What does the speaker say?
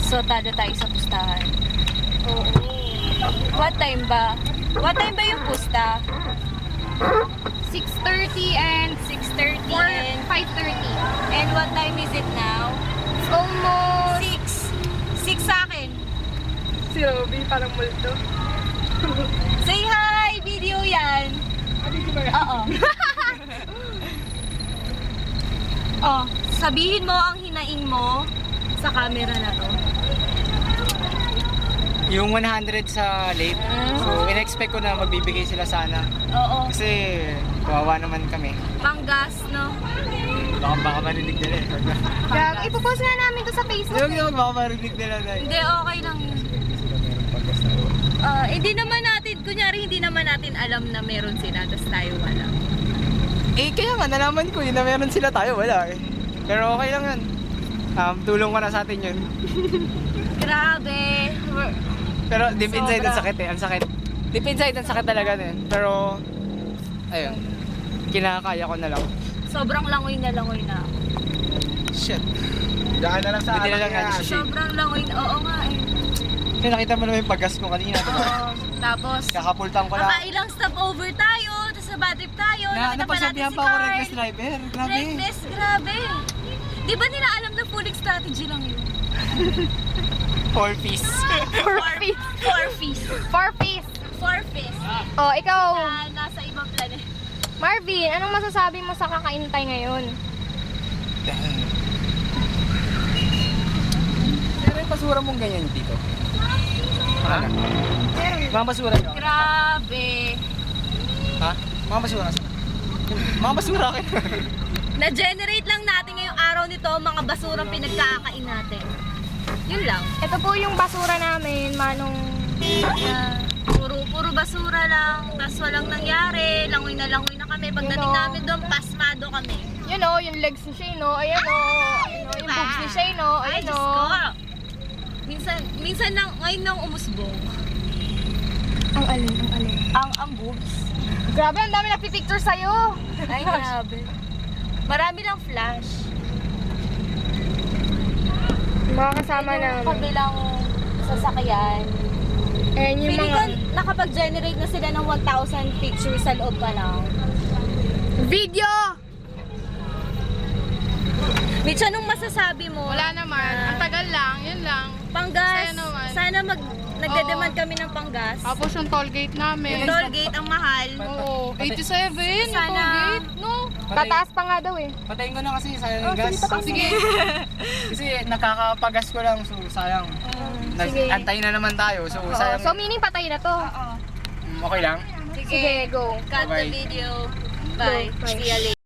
So, talo tayo sa pustahan. Oo. What time ba? What time ba yung pusta? 6:30 and 6:30 or and 5:30. And what time is it now? It's almost 6 sa akin. si Robby, parang multo. Say hi! Video yan! Oo. Oh, sabihin mo ang hinaing mo sa camera na to. Yung 100 sa late. So, in-expect ko na magbibigay sila sana. Oo. Kasi, kawawa naman kami. Panggas, no? Baka marinig nila eh. Gag, ipopost nga namin to sa Facebook. Yung baka marinig nila na Hindi, okay lang yun. Hindi naman natin, kunyari hindi naman natin alam na meron sila, tapos tayo wala. Eh, kaya nga, nalaman ko yun na meron sila tayo, wala eh. Pero okay lang yun. Tulong ka na sa atin yun. Grabe. Pero deep inside Sobra. ang sakit eh, ang sakit. Deep inside ang sakit talaga eh. Pero, ayun, kinakaya ko na lang. Sobrang langoy na ako. Shit. Daan na lang sa Hindi na lang anak nga yan. shit. Sobrang langoy na, oo nga eh. Kasi nakita mo naman yung paggas ko kanina, diba? Oo. Tapos, Kakapultang ko lang. nakailang stopover tayo, tapos sa bad trip tayo, nakita pa natin Napasabihan si pa ako Carl. reckless driver. Grabe. Reckless, grabe. Di ba nila alam na full strategy lang yun? 4 piece. 4 feet. 4 fees. 4 feet. 4 fees. Oh, ikaw, Na nasa ibang planet. Marvin, anong masasabi mo sa kakaintay ngayon? Pero yung basura mong ganyan dito. Ha? Mga basura nyo? Grabe. Ha? Mga basura? Mga basura akin. Na-generate lang natin ngayong araw nito mga basurang pinagkakain natin. Yun lang. Ito po yung basura namin, manong... Puro basura lang, tas walang nangyari, langoy na kami. Pagdating Yun o. namin doon, pasmado kami. Yun o, yung legs ni Shane o. Ayan o. Ayan o, yung boobs ni Shane o. Ay, Ayan Diyos o. ko. Minsan nang, ngayon nang umusbong. Ang alin. Ang boobs. Grabe, ang dami nagpipicture sa'yo. Ay, grabe. Marami lang flash. Mga kasama Yung namin. kabilang sasakyan. Ayan yung Feeling mga... ko nakapag-generate na sila ng 1,000 pictures sa loob pa lang. Video! Mitch, anong masasabi mo? Wala naman. Ang tagal lang. Yun lang. Panggas. Saya naman. Sana nagde-demand kami ng panggas. Tapos yung toll gate namin. Yung toll gate ang mahal. Oo. 87 yung Sana- toll gate. No? Tataas pa nga daw eh. Patayin ko na kasi sayang yung gas. Sige. Kasi nakakapagas ko lang, so sayang. Sige. Antayin na naman tayo, so Oo, sayang. so meaning patay na to. Okay lang? Sige, go. Cut the Bye-bye. video. Bye. Bye. See you later.